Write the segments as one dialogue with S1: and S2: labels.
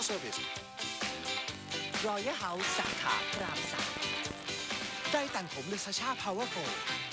S1: Service Royal House สาขาพระราม3ได้แต่งผมเลยซาชา Powerful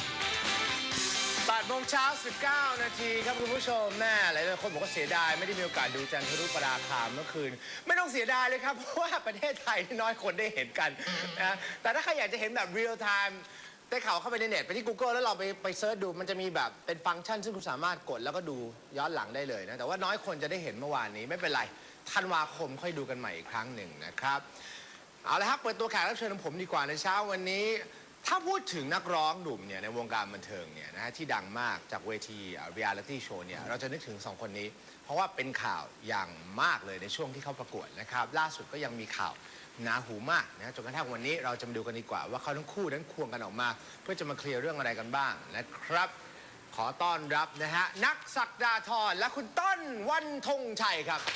S2: 8 โมงเช้า 19 นาทีครับคุณผู้ชมแม่หลายคนบอกว่าเสียดายไม่ได้มีโอกาสดูจันทรุปราคาเมื่อคืนไม่ต้องเสียดายเลยครับเพราะว่าประเทศไทยน้อยคนได้เห็นกันนะแต่ถ้าใครอยากจะเห็นแบบ real time ได้ข่าวเข้าไปในเน็ตไปที่ Google แล้วเราไปเซิร์ชดูมันจะมีแบบเป็นฟังก์ชันซึ่งคุณสามารถกดแล้วก็ดูย้อนหลังได้เลยนะแต่ว่าน้อยคนจะได้เห็นเมื่อวานนี้ไม่เป็นไรธันวาคมค่อยดูกันใหม่อีกครั้งหนึ่งนะครับเอาละครับเปิดตัวแขกรับเชิญของผมดีกว่าในเช้าวันนี้ถ้าพูดถึงนักร้องหนุ่มเนี่ยในวงการบันเทิงเนี่ยนะฮะที่ดังมากจากเวทีเรียลิตี้โชว์เนี่ยเราจะนึกถึง2คนนี้เพราะว่าเป็นข่าวอย่างมากเลยในช่วงที่เขาประกวดนะครับล่าสุดก็ยังมีข่าวหนาหูมากนะจนกระทั่งวันนี้เราจะมาดูกันดีกว่าว่าเขาทั้งคู่นั้นควงกันออกมาเพื่อจะมาเคลียร์เรื่องอะไรกันบ้างนะครับขอต้อนรับนะฮะนักศักดาธรและคุณต้นวันธงชัยครับ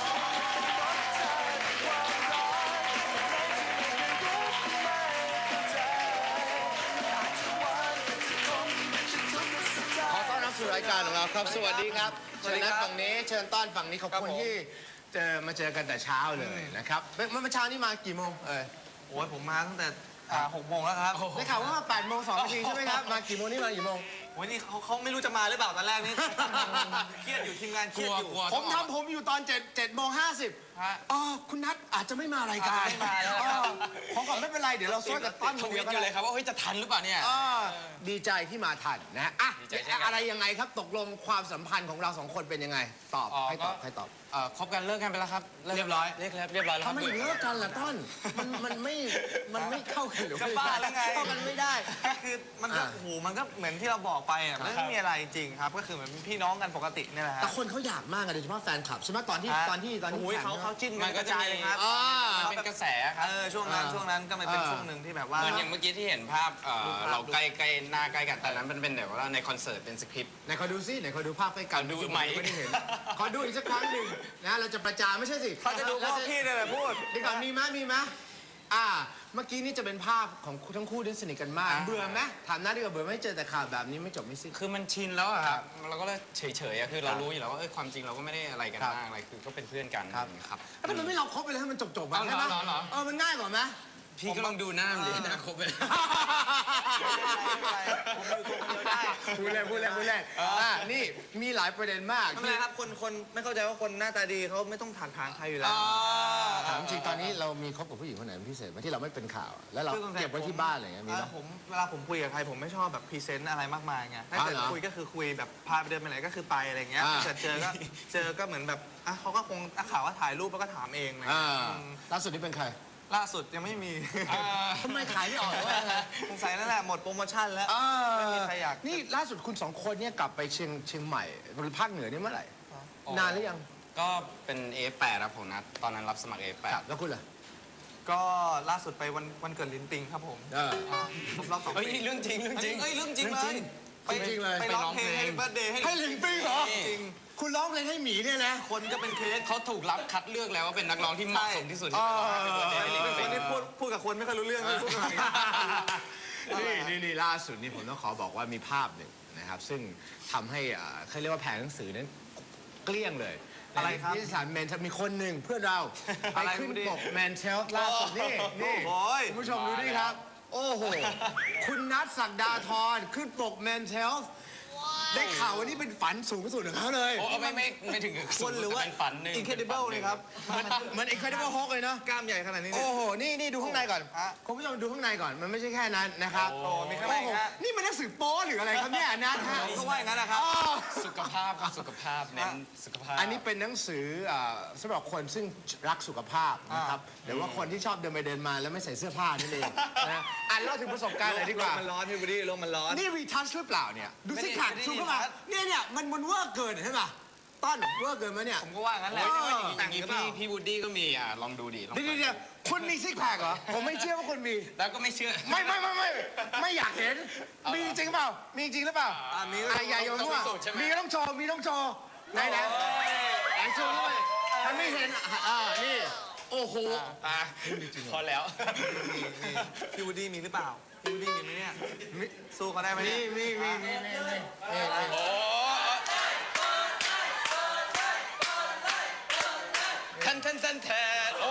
S2: สู่รายการของเราครับสวัสดีครับเชิญนัดฝั่งนี้เชิญต้อนฝั่งนี้ขอบคุณที่มาเจอกันแต่เช้าเลยนะครับเมื่อเช้านี้มากี่โมง
S3: โอ้ยผมมาตั้งแต่6 โมงแล้วครับ
S2: ได้ข่าวว่ามา8 โมง 2 นาทีใช่ไหมครับมากี่โมงนี่มากี่โมง
S3: โอ้ยนี่เขาไม่รู้จะมาหรือเปล่าตอนแรกนี่เครียดอยู่ทีมงานเครียดอยู่
S2: ผมอยู่ตอน7 โมง 50อ๋อคุณนัทอาจจะไม่มารายการ
S3: ไม่มาแล้ว
S2: ของก่อนไม่เป็นไรเดี๋ยวเราซ้อนกับต้น
S3: คนเดียวกันเลยครับว่าเฮ้ยจะทันหรือเปล่าเนี่ย
S2: ดีใจที่มาทันนะอ่ะอะไรยังไงครับตกลงความสัมพันธ์ของเรา2 คนเป็นยังไงตอบให้ตอบ
S3: คบกันเลิกกันไปแล้วครับ
S2: เรียบร้อย
S3: เรียบร้อยแล้ว
S2: ทำไมเลิกกันล่ะต้นมันไม่เข้ากันหรือ
S3: จะบ้าแล้วไง
S2: เข้ากันไม่ได้
S3: คือมันก็โอ้โหมันก็เหมือนที่เราบอกไปอ่ะไม่มีอะไรจริงครับก็คือเหมือนพี่น้องกันปกตินี่แหละ
S2: แต่คนเขาอยากมากโดยเฉพาะแฟนคลับใช่ไหมตอนที่
S3: เขาจิ้นกันกระจายเลยครับ
S4: มันเป็นกระแสครับ
S3: ช่วงนั้นก็มันเป็นช่วงหนึ่งที่แบบว่า
S4: เหมือนอย่างเมื่อกี้ที่เห็นภาพเราใกล้หน้าใกล้กันแต่นั้นมันเป็นแบบว่าในคอนเสิร์ตเป็นสคริปต์
S2: ไหนขอดูซิไหนขอดูภาพใกล้กัน
S4: ดูไหม
S2: ไม่ได้เห็นขอดูอีกสักครั้งหนึ่งนะเราจะประจานไม่ใช่สิ
S3: เขาจะดูว่าพี่เนี่ยแหละพูด
S2: ดีก่อนมีไหมเมื่อกี้นี่จะเป็นภาพของทั้งคู่ที่สนิทกันมากเบื่อไหมถามน้าดีกว่าเบื่อไม่เจอแต่ข่าวแบบนี้ไม่จบไม่สิ้น
S4: คือมันชินแล้วอะครับเราก็เลยเฉยๆคือเรารู้อยู่แล้วว่าความจริงเราก็ไม่ได้อะไรกันมากอะไรคือก็เป็นเพื่อนกัน
S2: ครับแล้วมันไม่เราคบไปเลยให้มันจบๆแบบใช่ไหมมันง่ายกว่าไหม
S4: พี่ก็ลองดูหน้ามันดิหน้าครบเลย
S2: พูดเล่นนี่มีหลายประเด็นมาก
S3: ทำไมครับคนไม่เข้าใจว่าคนหน้าตาดีเขาไม่ต้องถางใครอยู่แล้ว
S2: ถามจริงตอนนี้เรามีคบกับผู้หญิงคนไหนพิเศษไหมที่เราไม่เป็นข่าวแล้วเราเก็บไว้ที่บ้านอะไรเงี้ยมีไหม
S3: เวลาผมคุยกับใครผมไม่ชอบแบบพรีเซนต์อะไรมากมายไงถ้าเกิดคุยก็คือคุยแบบพาไปเดินไปไหนก็คือไปอะไรเงี้ยแต่เจอก็เหมือนแบบเขาก็คงนักข่าวว่าถ่ายรูปแล้วก็ถามเองนะ
S2: ล่าสุดนี่เป็นใคร
S3: ล่าสุดยังไม่มี
S2: ทำไมขายไม่ออกวะ
S3: สงสัยนั่นแหละหมดโปรโมชั่นแล้วไม่มีใครอยาก
S2: นี่ล่าสุดคุณ2 คนเนี่ยกลับไปเชียงใหม่หรือภาคเหนือนี่เมื่อไหร่นานหรือยัง
S4: ก็เป็น A8 ครับผมนะตอนนั้นรับสมัคร A8
S2: แล้วคุณล่ะ
S3: ก็ล่าสุดไปวันเกิดลิ้นปิงครับผมรอบ2 ปี
S4: เรื่องจริงเรื่องจริง
S3: เลยไปร้องเพลงให้เบิร์ธเดย์
S2: ให้ลิ้นปิงเหรอจริงคุณร้องเพลงให้หมีเนี่ยนะ
S3: คนก็เป็นเคส
S4: เขาถูกรับคัดเลือกแล้วว่าเป็นนักร้องที่เหมาะสมที่สุด
S3: เป็นคนที่พูดกับคนไม่ค่อยรู้เรื่องพูดกับ
S2: นี่ล่าสุดนี่ผมต้องขอบอกว่ามีภาพหนึ่งนะครับซึ่งทำให้เขาเรียกว่าแผงหนังสือนั้นเกลี้ยงเลย
S3: อะไรครับ
S2: ที่สารแมนมีคนหนึ่งเพื่อนเราไปขึ้นปกแมนเชลล่าสุดนี่คุณผู้ชมดูดิครับโอ้โหคุณนัทศักดาธรขึ้นปกแมนเชลได้ข่าวว่านี่เป็นฝันสูงสุดของเขาเลย
S4: ไม่ถึง
S3: คนหรือว่า
S4: ฝันหนึ่ง
S3: Incredible เลยครับ
S2: เหมือน Incredible Hulk เลยเนาะ
S3: กล้ามใหญ่ขนาดนี้
S2: โอ้โหนี่ดูข้างในก่อนคุณผู้ชมดูข้างในก่อนมันไม่ใช่แค่นั้นนะครับ
S3: โอ้มีข้างใน
S2: นี่มันหนังสือโป๊หรืออะไรครับเนี่ยนัทฮะ
S3: ก็ว่าอย่างนั้นนะครับ
S4: สุขภาพครับสุขภาพเน้นสุขภาพ
S2: อันนี้เป็นหนังสือสำหรับคนซึ่งรักสุขภาพนะครับหรือว่าคนที่ชอบเดินไปเดินมาแล้วไม่ใส่เสื้อผ้านั่นเองนะเล่าถึงประสบการณ์หน่อยดีกว่า
S3: มันร้อนพี่บุรีลมมันร้อน
S2: นี่รีทัชหรือเปล่าเนี่ยดูซิกแพคชูเข้ามาเนี่ยมันเวอร์เกินใช่ป่ะต้นเวอร์เกินไหมเนี่ย
S3: ผมก็ว่างั้นแหละ
S4: อย่างนี้พี่วูดดี้ก็มีลองดูดิ
S2: เดี๋ยวคุณมีซิกแพคเหรอผมไม่เชื่อว่าคุณมี
S4: แล้วก็ไม่เชื่อ
S2: ไม่อยากเห็นมีจริงเปล่ามีจริงหรือเปล่า
S3: มี
S2: อย่าโยนมั่วมีก็ต้องโชว์ไหนโชว์ด้วยมันไม่เห็นนี่โอ้โห
S4: พอแล้ว
S3: พี่วูดดี้มีหรือเปล่าพี่วูดดี้มีไหมเนี่ยสู้เขาได้ไหม
S2: มี
S4: ทันทันทันแทนโอ้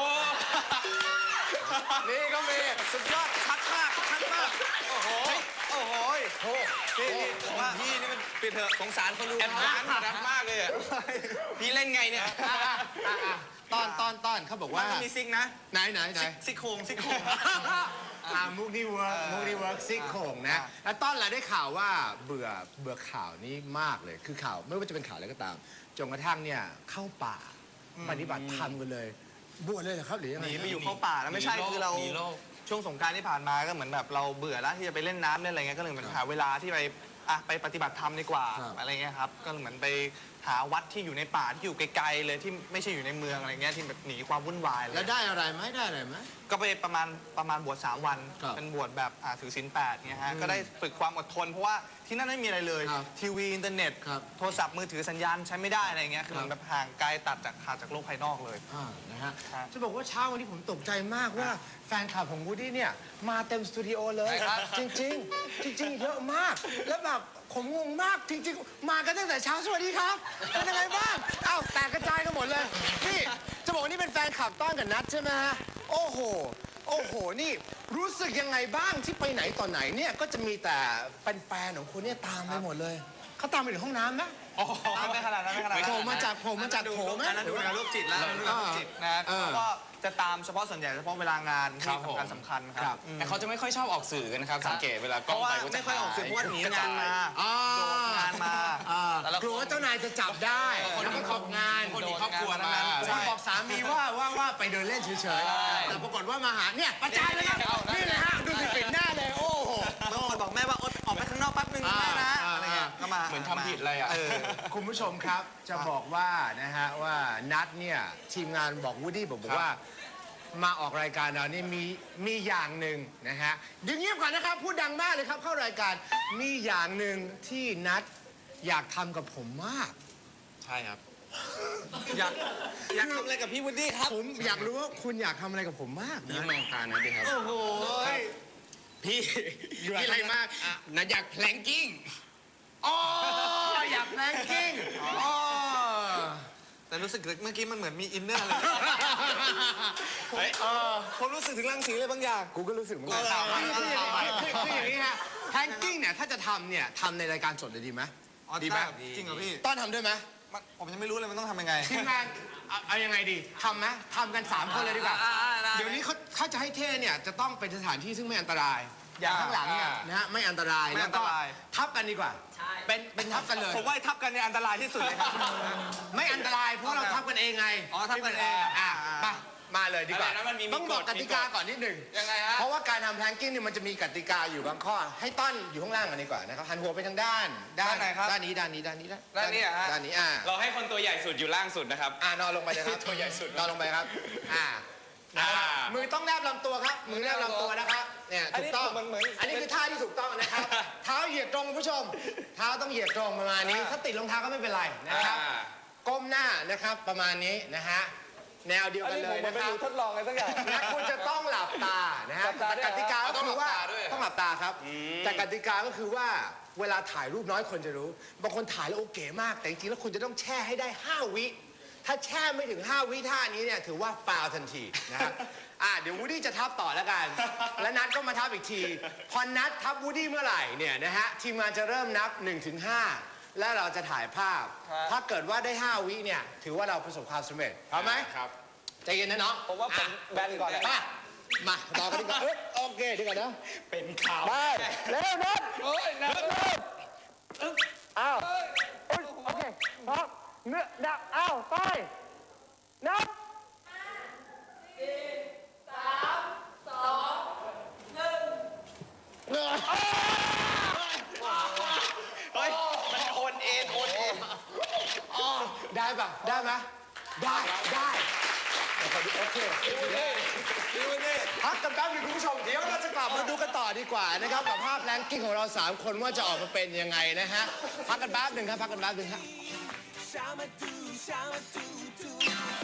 S2: นี่ก็มี
S3: สุดยอดชัดมากชัดมากโอ้โหโอ้โหพี่ผมว่าพี่นี่มันปิดเถอะสงสารคนดู
S4: แอดวานซ์รัดมากเลยอะพี่เล่นไงเนี่ย
S2: ตอนเขาบอก
S3: มั
S2: ว่าน
S3: ต้องมีซิกนะ
S2: ไหน
S3: ซี่โครงซี่โครง
S2: มุกนี่เวิร์กมุกนี่เวิร์กซิกโคงนะ แล้วต้นเราได้ข่าวว่าเบื่อข่าวนี้มากเลย คือข่าวไม่ว่าจะเป็นข่าวอะไรก็ตาม จนกระทั่งเนี่ยเข้าป่าปฏิบัติธรรมกันเลย บวชเลยเหรอครับหรือยัง
S3: ห
S2: ไง
S3: นีไปอยู่เข้าป่าแล้วไม่ใช่
S4: หนีโลก
S3: คือเรา
S4: หนีโลก
S3: ช่วงสงกรานต์ที่ผ่านมาก็เหมือนแบบเราเบื่อแล้วที่จะไปเล่นน้ำเล่นอะไรเงี้ยก็เลยเหมือนหาเวลาที่ไปปฏิบัติธรรมดีกว่าอะไรเงี้ยครับก็เหมือนไปหาวัดที่อยู่ในป่าที่อยู่ไกลๆเลยที่ไม่ใช่อยู่ในเมืองอะไรเงี้ยที่แบบหนีความวุ่นวายเลย
S2: แล้วได้อะไรไหมได้อะไรไหม
S3: ก็ไปประมาณบวช3 วัน
S2: ครับ
S3: เป็นบวชแบบถือศีล8เงี้ยฮะก็ได้ฝึกความอดทนเพราะว่าที่นั่นไม่มีอะไรเลย
S2: ครับ
S3: ทีวีอินเทอร์เน็ต
S2: ครับ
S3: โทรศัพท์มือถือสัญญาณใช้ไม่ได้อะไรเงี้ยคือเหมือนแบบห่างไกลขาดจากโลกภายนอกเลย
S2: นะฮะ
S3: ครับ
S2: จะบอกว่าเช้าวันนี้ผมตกใจมากว่าแฟนคลับของวูดดี้เนี่ยมาเต็มสตูดิโอเลย
S3: ใช่ครับ
S2: จริงๆเยอะมาก แล้วแบบผมงงมากจริงๆ มากันตั้งแต่เช้าสวัสดีครับเป็นยังไงบ้างอ้าวแตกกระจายกันหมดเลยนี่จะบอกว่านี่เป็นแฟนคลับต้อนกับนัทใช่ไหมฮะโอ้โห นี่รู้สึกยังไงบ้างที่ไปไหนต่อไหนเนี่ยก็จะมีแต่เป็นแฟนของคุณเนี่ยตามไปหมดเลยเขาตามไปถึงห้องน้ำนะ
S3: ไม่ขนาดนั้นไม่ขนาดนั้น
S2: โผล่มาจากโถไหม
S3: อันนั้นดูงานโรคจิตแล้วอันนั้นดูงานโรคจิตนะ
S2: เออ
S3: ก็จะตามเฉพาะส่วนใหญ่เฉพาะเวลางาน
S4: ครั
S3: ที่
S4: บผม
S3: สำคัญค
S2: ครั
S3: รับ บ
S4: แต่เขาจะไม่ค่อยชอบออกสื่อกันนะครับ สังเกตเวลาก
S3: เพ
S4: ล้อง
S3: ราะว่า
S4: ไปก็จะ
S3: ไม่ค่อยออกสื่อเพราะว่าหนี
S4: กระ
S3: งา
S4: จาน ย
S3: มาโดดงานมาแต่ละ
S2: กลัวว่าเจ้านายจะจับได้แล้วก็ตกงาน
S4: คนมีครอบครัวมา
S2: ใช่บอกสามีว่าไปเดินเล่นเฉยๆ แต่ปรากฏว่ามาหาเนี่ยประจานเลยครับนี่เลยฮะดูสิปิดหน้าเลยโอ้โห
S3: บางคนบอกแม่ว่าออกไปข้างนอกแป๊บนึงแม่นะอะไรเงี้ยก็มา
S4: เหมือนทำผิดอะไรอ่ะ
S2: คุณผู้ชมครับจะบอกว่านะฮะว่านัดเนี่ยทีมงานบอกวูดดี้บอกว่ามาออกรายการเรานี่มีอย่างหนึ่งนะฮะเดี๋ยวเงียบก่อนนะครับพูดดังมากเลยครับเข้ารายการมีอย่างหนึ่งที่นัดอยากทำกับผมมาก
S4: ใช่ครับ
S3: อยากทำอะไรกับพี่วูดดี้ครับ
S2: ผมอยากรู้ว่าคุณอยากทำอะไรกับผมมาก
S4: พี่
S2: นะ
S4: มองตานะดิครับ
S3: โอ้โห
S4: พี่
S2: อยู่อะไร
S4: พี่อะไรมากนะอยากแพลงกิ้ง
S2: อ๋ออยากแรงจริงอ๋อ
S3: แต่รู้สึกเมื่อกี้มันเหมือนมีอินเนอร์อะไรผมรู้สึกถึงรังสีอะไรบางอย่าง
S2: กูก็รู้สึกเหมือนกัน
S3: คือ
S2: อย่างนี้ฮะแฮงกิ้งเนี่ยถ้าจะทำเนี่ยทำในรายการสดเลยดีไหม ดีไหม
S3: จริงเหรอพี่
S2: ต้อนทำด้วยไหม
S3: ผมยังไม่รู้เลยมันต้องทำยังไง
S2: ทีมงานเอายังไงดีทำไหมทำกัน3 คนเลยดีกว่า
S3: ได้
S2: เดี๋ยวนี้เขาจะให้เท่เนี่ยจะต้องเป็นสถานที่ซึ่งไม่อันตราย อย่างข้างหลังเนี่ยนะฮะไม่อันตราย
S3: ไม่อันตราย
S2: แล้วก็ทับกันดีกว่าเป็นทับกันเลย
S3: ผมว่าทับกันเนี่ยอันตรายที่สุดเลยครับ
S2: ไม่อันตรายเพราะเราทับกันเองไง
S3: อ๋อทับกันเอง
S2: มาเลยดีกว่า
S4: อะไรนะมันมี
S2: ต้องบอกกติกาก่อนนิดหนึ่ง
S3: ยังไงฮะ
S2: เพราะว่าการทำแพลงกิ้งเนี่ยมันจะมีกติกาอยู่บางข้อ ให้ต้อนอยู่ข้างล่างกันดีกว่านะครับหันหัวไปทางด้าน
S3: ด้านไหนครับ
S2: ด้านนี้ด้านนี้
S3: ด้านนี้เหรอฮะ
S2: ด้านนี้
S4: เราให้คนตัวใหญ่สุดอยู่ล่างสุดนะครับ
S2: นอนลงไปเลยครับ
S4: ตัวใหญ่สุด
S2: นอนลงไปครับมือต้องแนบลำตัวครับมือแนบลำตัวนะครับเนี่ยถูกต้อง อันนี้คือท่าที่ถูกต้องนะครับ เท้าเหยียดตรงคุณผู้ชม เท้าต้องเหยียดตรงประมาณนี้ ถ้าติดรองเท้าก็ไม่เป็นไรนะครับ ก้มหน้านะครับประมาณนี้นะฮะแนวเดียวกันเลยนะครับ
S3: ทดลองอะไรสักอย่าง
S2: และคุณจะต้องหลับตานะฮะแต่กติกาก็คือว่าต้องหลับตาครับ แต่กติกาก็คือว่าเวลาถ่ายรูปน้อยคนจะรู้ บางคนถ่ายแล้วโอเคมาก แต่จริงๆแล้วคุณจะต้องแช่ให้ได้5 วิ ถ้าแช่ไม่ถึง5 วิท่านี้เนี่ยถือว่าฟาวล์ทันทีนะครับเดี๋ยววูดดี้จะทับต่อแล้วกัน และนัดก็มาทับอีกที พอนัดทับวูดดี้เมื่อไหร่เนี่ยนะฮะทีมงานจะเริ่มนับ 1-5 และเราจะถ่ายภาพ ถ้าเกิดว่าได้ 5 วิเนี่ยถือว่าเราประสบความสำเร็จพร้อมไหม
S4: ครับ
S2: ใจเย็นนะน้อง
S3: ผมว่าผมแบนก่อน
S2: มาต่อกันดีกว่าโอเคดีกว่านะ
S4: เป็นข่าว
S2: ไปเร็วนัด
S4: โอ้ยนะ
S2: อ้าวโอเคพร้อมเนื้อดักอ้าวไปนับ
S4: เฮ้ยมันโอนเอ็น
S2: ได้ปะได้ไหมได้โอเคพักกันแป๊บนึงคุณผู้ชมเดี๋ยวเราจะกลับมาดูกันต่อดีกว่านะครับกับภาพแรงกิ้งของเรา3 คนว่าจะออกมาเป็นยังไงนะฮะพักกันแป๊บนึงครับพักกันแป๊บนึงครับ